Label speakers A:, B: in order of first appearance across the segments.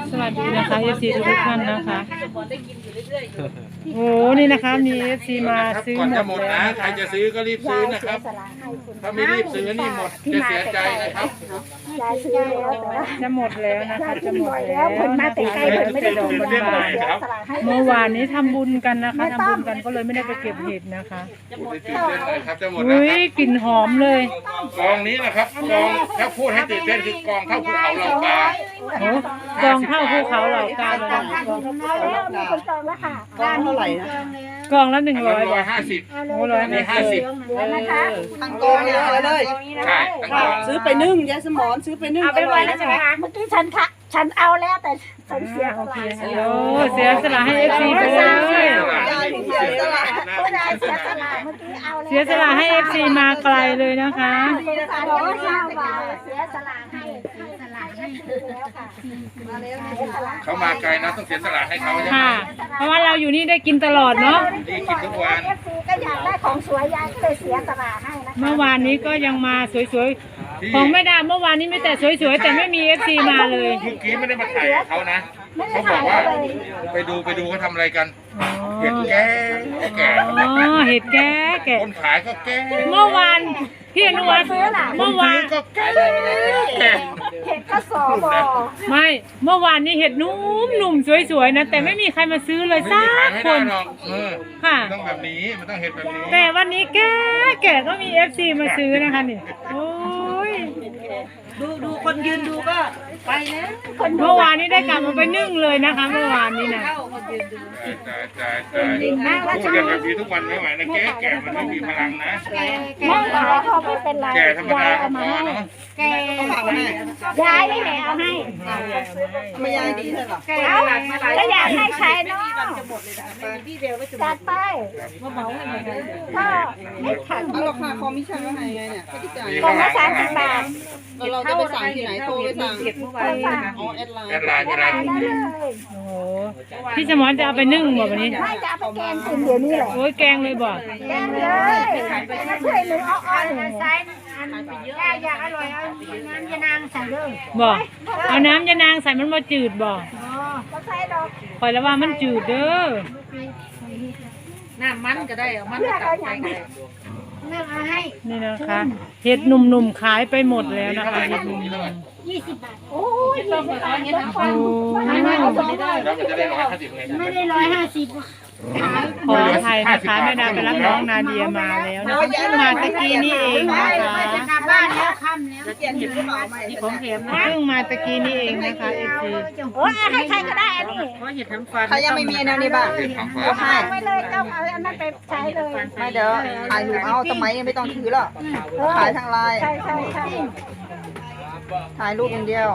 A: สวัสดีนะคะเอฟซีทุกท่านนะคะโอ้นี่นะคะมีเอฟซีมาซื้อ
B: ก่อน
A: หม
B: จะ
A: ด
B: หมด
A: แล้ว
B: นะ
A: นะ
B: ใคร
A: คะ
B: จะซื้อก็รีบซื้อนะครับถ้าไม่รีบซื้อนี่หมดจะเสียใจนะครับ
C: ยายซื้อแล้วแต่ว่า
A: จะหมดแล้วนะคะจะหมด
C: แล้
A: แล้ว ว
C: คนมาแต่ไกลคนไม่ได้ดอกบัวเสียสละให้
A: เมื่อวานนี้ทำบุญกันนะคะทำบุญกันก็เลยไม่ได้ไปเก็บเห็ดนะคะ
B: พูดให้ตื่นเต้นหน่อยครับจะหมดแล้ว
A: อุ้
B: ค
A: ย
B: รับ
A: กลิ่นหอมเลย
B: กองนี้นะครับกองถ้าพูดให้ตื่นเต้นคือกองเข้าภูเขาเหล่ากา
A: โอ้กองเท่าภูเขาเหล่ากาเลยนะ
C: เอาแล้วมีคนจองแล้วค่ะ
D: ก้อนเท่าไหร่นะ
A: กองละ100
B: 150
A: โอ้150
B: นี่50
C: นะคะ
D: ทั้งกองเลย
B: ใช่ทั้งกอง
D: ซื้อไปนึ่งยายสมอนซื้อไปนึ่ง
C: เอาไปไว้แล้วใช่ไหมคะเมื่อกี้ฉันเอาแล้วแต่ฉันเสียส
A: โอเค
C: ละ
A: ค่ะโอ้เสียสละให้เอฟซีไปเลย
D: ยายเสียสละ
C: ผู้ใดเสียสละเมื่อกี้เอาแล้ว
A: เสียสละให้เอฟซีมาไกลเลยนะคะ
C: เสียสละร้อย5 บาทเสียสละให้แล้วค่ะมาแล้วเสียสละ
B: เขามาไกลนะต้องเสียสละให้เขาใช่ไหม
A: ค่ะ เพราะว่าเราอยู่นี่ได้กินตลอดเนาะ
B: นี่กินทุกวัน
C: เอฟซีก็อยากได้ของสวยยายก็เลยเสียสละให้นะคะ
A: เมื่อวานนี้ก็ยังมาสวยๆ ของไม่ได้เมื่อวานนี้ไม่แต่สวยๆ แต่ไม่มีเอฟซีมาเลย
B: เมื่อกี้ไม่ได้มาถ่ายกับเขานะเขาบอกว่าไปดูเขาทำอะไรกันเห็ดแก่แก่
A: อ๋อเห็ดแก่แก่
B: คนขายก็แก่
A: เมื่อวานพี่อนุวัฒน์เมื่อวาน
B: ก็แก่แก่
C: เห็ดก็สอบอ
A: ไม่เมื่อวานนี้เห็ดนุ่มหนุ่มสวยๆนะแต่ไม่มีใครมาซื้อเลย
B: ไม่
A: สั
B: มีขาย
A: ก
B: ไม่
A: ค
B: ได้
A: น
B: หรอก
A: ค่ะ
B: มันต้องแบบนี้มันต้องเห็ดแบบนี้
A: แต่วันนี้แก่แก่ก็มีเอฟซีมาซื้อนะคะนี่โอ้ย
D: ดูคนยืนดูก็ไปแล้ว
A: เมื่อวานนี้ได้กลับมาไปนึ่งเลยนะคะ เมื่อวานนี้นะ
B: จ่ายพูดกันแบบนี้ทุกวันไม่ไหวนะแก่แก่มันไม่มีพลังนะ
C: ไม่หรอกเขาไม่เป็นไร
B: แก่ธรรมดาก็
C: เอา
B: พ
C: มา
B: อ
C: ให้
B: เนาะ
C: แก
D: ฝากไว้ให้
C: ยายนี่แหละเอาให้
D: ไม่ยายดีเลยหรอ
C: เอาก็อยากให้ใช้เนาะจัดไปก็ไม่ขัด
D: เอาราคาคอมมิชชั่นว่าไงเนี่ยค่าใช้จ่าย
C: กล่องละ30 บาท
D: เราจะไปสั่งที่ไหนโทรไปสั่งอ๋อแอดไลน์
B: แอดไลน์อะไร
C: ได้เลย
A: โอ้โหพี่สมรจะเอาไปนึ่งบ่วันนี้
C: ไม่จะเอาไปแกงกินเดี๋ยวนี้แหละ
A: โอ้ยแกงเลยบ่
C: แกงเลยช่วยหนูเอาอ้อนใส่อยากอร่อยเอาน้ำยานางใส่เลย
A: บ่เอาน้ำยานางใส่มันบ่จืดบ่
C: ก็ใส่ดอก
A: คอยแล้วว่ามันจืดเด้อ
E: น้ำมันก็ได้เอามัน
C: เลื
E: ก็
C: อก
E: ตั
C: เอา
E: ก
C: อ
E: ไป
C: ย่าง
E: ก็
C: นี้
E: ได้
C: เลือกเอาให้
A: นี่นะคะเห็ดหนุ่มๆขายไปหมดแล้วนะคะเห็ดหนุ่ม
C: 20 บาทโอ้ย20 บาท
A: ๆโอ้
C: ไม่เอาสอง
B: แล้วมันจะได้150ไง
C: ไม่ได้150ขาย
A: ขออภัยนะคะแม่ดาไปรับน้องนาเดียมาแล้วนะคะเพิ่งมาตะกี้นี่เองนะคะ
C: กลับบ้านแล้วค่ำแล้ว
D: เปลี่ยนเห็นหรือเปล่าไม่
E: ของแถมนะ
A: เพิ่งมาตะกี้นี่เองนะคะเอฟซี
C: โอ้ยให้ใครก็ได้อันนี้
E: เพราะเห็ดน้ำฟัน
D: ใครยังไม่มีแนวนี้บ้าง
B: เห็ดของฝา
D: ก็
B: ก
D: ให้
C: ไม่เลยเจ้าเอาอันนั้นไปใช้เลย
D: ไม่เดี๋ยวถ่ายรูปเอาสมัยไม่ต้องถือหรอกถ่ายทางไลน์
C: ใช่ใช่ใช่
D: ถ่ายรูปอย่างเดียว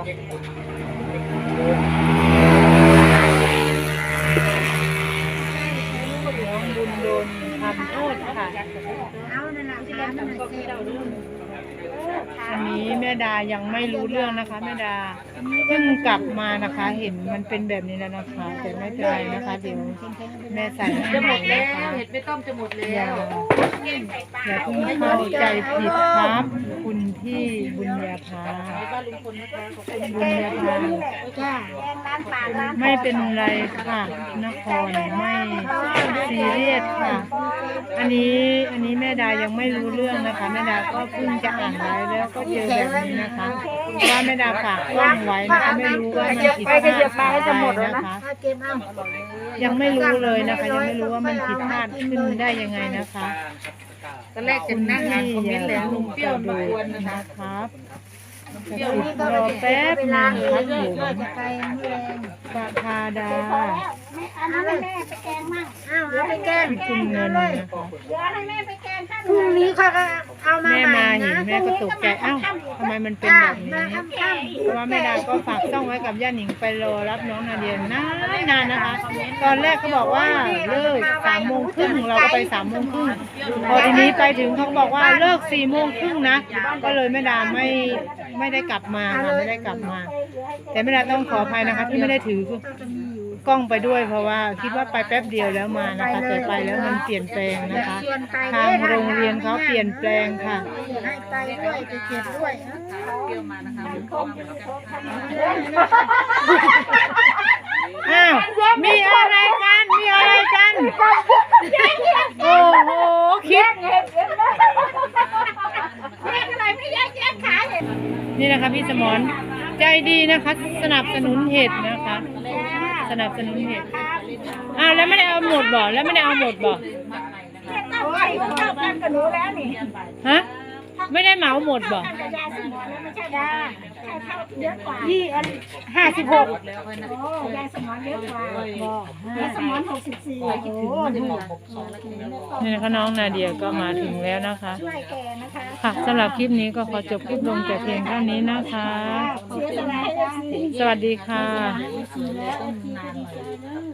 A: บุญโดนทำโทษค่ะ
C: เอานั่นแหละหามันมาเสีย
A: อันนี้แม่ดายังไม่รู้เรื่องนะคะแม่ดาเพิ่งกลับมานะคะ เห็นมันเป็นแบบนี้แล้วนะคะ แต่ไม่เป็นไรนะคะเดี๋ยวแม่ใส่ให้
E: จะห
A: ให
E: ม
A: ม่
E: ด
A: นะ
E: แล้ว
A: คะ
E: เห็ดไม่ต้มจะหมด
A: อ
E: แล้
A: ย่าว อย่าเพิ่งเข้าใจผิดครับ คุณพี่บุญญาภา
E: บ้านลุงพลนะคะขอบคุณ
A: บุญญาภา
C: จ้าแกงร้านปากร้าน
A: ไม่เป็นไรค่ะนครไม่ซีเรียสค่ะ อันนี้แม่ดายังไม่รู้เรื่องนะคะแม่ดาก็เพิ่งจะอ่านไว้แล้วก็เจอแบบนี้นะคะเพราะว่าแม่ดาฝากกล้องไว้นะคะไม่รู้ว่ามันผิดพลาดอะไรนะคะ
C: เก็บเอา
A: ยังไม่รู้เลยนะคะ ยังไม่รู้ว่ามันผิดพลาดขึ้นได้ยังไงนะคะ
E: ตอนแรกจะนั่งอ่านคอมเมนต์แล้วลุงเปรี้ยวมากวนนะคะ
A: ครับรอแป๊บหนึงครับผม
C: จะไปเมื่อแรง
A: ประภาดา
C: พอแล้วอันนั้นให้แม่ไปแกงมั่งอ้าวเอาไปแกง
A: คุณเงินนะคะ
C: เดี๋ยวให้แม่ไปแกงข้าวพรุ่งนี้เขาก็เอามา
A: แม่
C: ใหม่
A: มาเห็น
C: นะ
A: แม่ก็ตกใจอ้าวทำไมมันเป็นแบบนี้ เพราะว่าแม่ดาก็ฝากช่องไว้กับย่าหนิงไปรอรับน้องนาเดียนานนะคะ ตอนแรกเขาบอกว่าเลิก3:30เราก็ไป3:30พอทีนี้ไปถึงเขาบอกว่าเลิก4:30นะก็เลยแม่ดาไม่ได้กลับมาค่ะไม่ได้กลับมา แต่แม่ดาต้องขออภัยนะคะที่ไม่ได้ถือกล้องไปด้วย เพราะว่าคิดว่าไปแป๊บเดียวแล้วมานะคะแต่ไปแล้วมันเปลี่ยนแปลงนะคะ ทางโรงเรียนเขาเปลี่ยนแปลงค่ะ
C: ให้ไปด้วยไปเก็บด้วย
E: เปรี้ยวมานะคะ
A: นี่นะคะพี่สมรใจดีนะคะ สนับสนุนเห็ดนะคะ สนับสนุนเห็ดอ้าวแล้วไม่ได้เอาหมดบ่แล้วไม่ได้เอาหมดบ่
C: โอ้ยเท่ากันกับหนูแล้วนี่
A: ฮะไม่ได้เหมาหมดบ่
C: ยาสมอนแล้วไม่ใช่ยาเท่าเยอะกว่าที่56โอ้ยาสมอนเยอะกว่ายาสมอน64โอ้ดู
A: นี่นะคะน้องนาเดียก็มาถึงแล้วนะคะ
C: ช่วยแกนะคะ
A: ค่ะสำหรับคลิปนี้ก็ขอจบคลิปลงแต่เพียงเท่านี้นะคะ
C: เสียสละให้ FC
A: สวัสดีค่ะ
C: แล้ว FC ที่ดีใจ